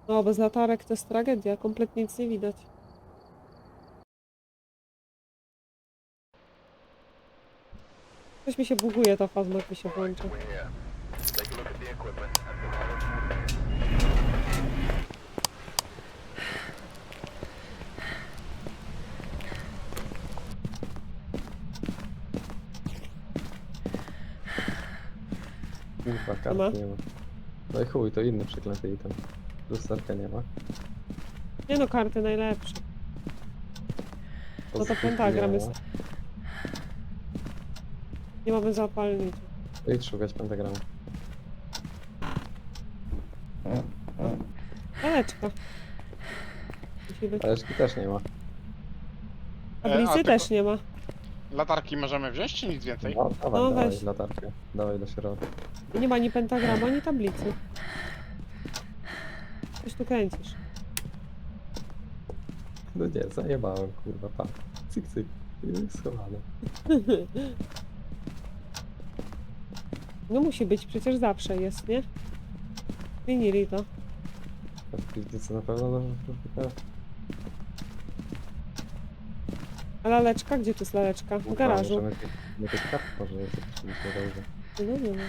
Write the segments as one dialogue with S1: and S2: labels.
S1: No, bez latarek to jest tragedia, kompletnie nic nie widać. Coś mi się buguje, ta fazma, jak mi się włącza.
S2: Kurwa,
S1: Co ma?
S2: kart nie ma. No i chuj, to inny przeklęty item. Lusterka nie ma.
S1: Nie no, karty najlepsze. No to
S2: Pozytywki
S1: pentagram
S2: nie
S1: jest.
S2: ma.
S1: Nie mamy zapalnicy.
S2: To idź szukać pentagramu.
S1: Laleczka. Musi być.
S2: Ależki też nie ma.
S1: Tablicy
S3: tylko
S1: też nie ma.
S3: latarki możemy wziąć, czy nic więcej?
S2: No, dawaj,
S1: No,
S2: dawaj
S1: weź.
S2: latarkę. Dawaj do środka.
S1: Nie ma ani pentagramu, ani tablicy. Coś tu kręcisz.
S2: No nie, zajebałem, kurwa, pa. Cyk, cyk. I schowane.
S1: No musi być, przecież zawsze jest, nie? Zmienili to.
S2: A w piwnicy na pewno no,
S1: A laleczka? Gdzie tu jest laleczka? W garażu.
S2: Możemy tych kart może zobaczyliśmy dobrze.
S1: No nie ma.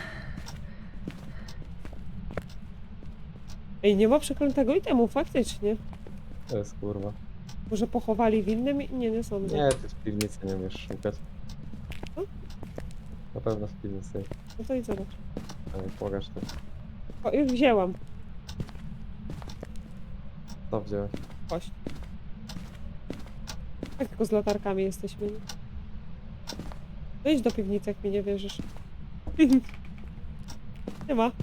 S1: Ej, nie ma przeklętego itemu, faktycznie.
S2: To jest kurwa.
S1: Może pochowali w innym? Nie sądzę.
S2: Nie, ty w piwnicy nie umiesz szukać.
S1: Co?
S2: Na pewno w piwnicy.
S1: No to i zobacz.
S2: Ale pokaż to.
S1: O, już wzięłam.
S2: Co wziąłeś?
S1: Kość. Tak tylko z latarkami jesteśmy. Nie? No idź do piwnicy, jak mi nie wierzysz. Nie ma.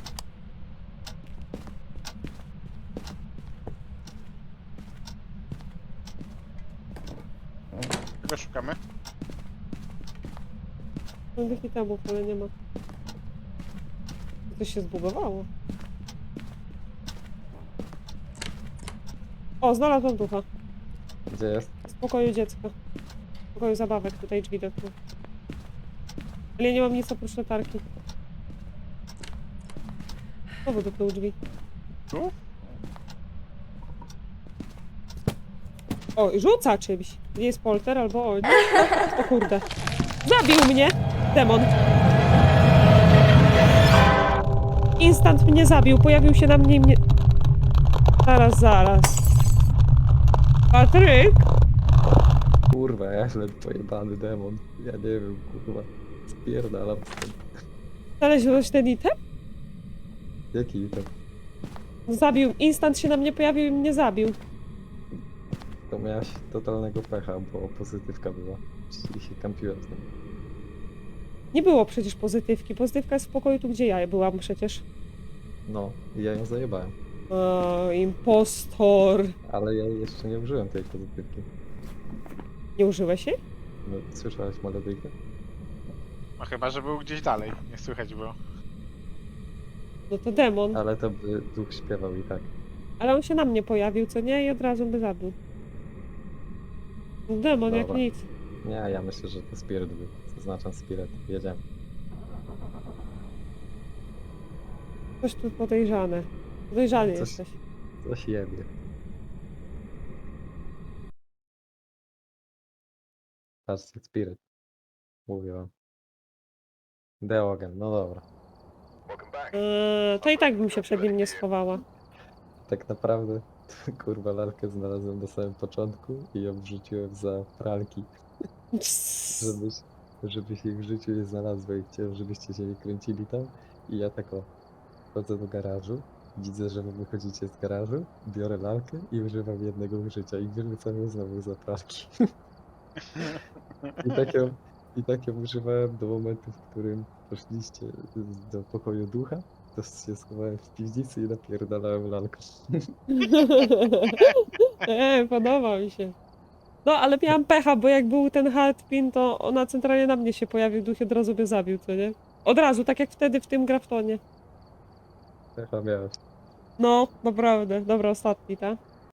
S3: Czego szukamy?
S1: Mam tych itemów, ale nie ma. Coś się zbugowało. O, znalazłam ducha.
S2: Gdzie jest?
S1: Z pokoju dziecka. W pokoju zabawek, tutaj drzwi do tyłu. Ale ja nie mam nic oprócz latarki. Znowu do tyłu drzwi.
S3: Tu?
S1: O, rzuca czymś. Nie jest polter albo o, nie. O kurde. Zabił mnie! Demon. Instant mnie zabił. Pojawił się na mnie i mnie... Zaraz. Patryk!
S2: Kurwa, ja źle pojebany demon. Ja nie wiem, kurwa. Spierdalam stąd.
S1: Znalazłeś ten item?
S2: Jaki item?
S1: Zabił. Instant się na mnie pojawił i mnie zabił.
S2: To miałaś totalnego pecha, bo pozytywka była. Czyli się kampiłem z nim.
S1: Nie było przecież pozytywki. Pozytywka jest w pokoju tu, gdzie ja byłam przecież.
S2: No, i ja ją zajebałem.
S1: O, impostor.
S2: Ale ja jeszcze nie użyłem tej pozytywki.
S1: Nie użyłeś jej?
S2: No, słyszałeś melodyjkę?
S3: No chyba, że był gdzieś dalej. Nie słychać było.
S1: No to demon.
S2: Ale to by duch śpiewał i tak.
S1: Ale on się na mnie pojawił, co nie? I od razu by zabił. No demon jak
S2: Dobra.
S1: nic.
S2: Nie, ja myślę, że to spirit był. Zaznaczam spirit. Jedziemy.
S1: Coś tu podejrzane. Podejrzany
S2: Coś-
S1: jesteś.
S2: Coś jebie. Patrzcie, spirit. Mówię wam. Deogen, no dobra.
S1: To i tak bym się przed nim nie schowała.
S2: Tak naprawdę, kurwa, lalkę znalazłem na samym początku i ją wrzuciłem za pralki, żebyś, żebyś ich w życiu nie znalazła i chciałem, żebyście się nie kręcili tam. I ja tak o, wchodzę do garażu, widzę, że wy wychodzicie z garażu, biorę lalkę i używam jednego użycia i wyrzucam ją znowu za pralki. I tak ją używałem do momentu, w którym poszliście do pokoju ducha, to się schowałem w piwnicy i napierdalałem lalką.
S1: Podoba mi się. No, ale miałam pecha, bo jak był ten hardpin, to ona centralnie na mnie się pojawił, duch i od razu mnie zabił, co nie? Od razu, tak jak wtedy w tym Graftonie.
S2: Pecha miałeś.
S1: No, naprawdę. Dobra, ostatni, tak?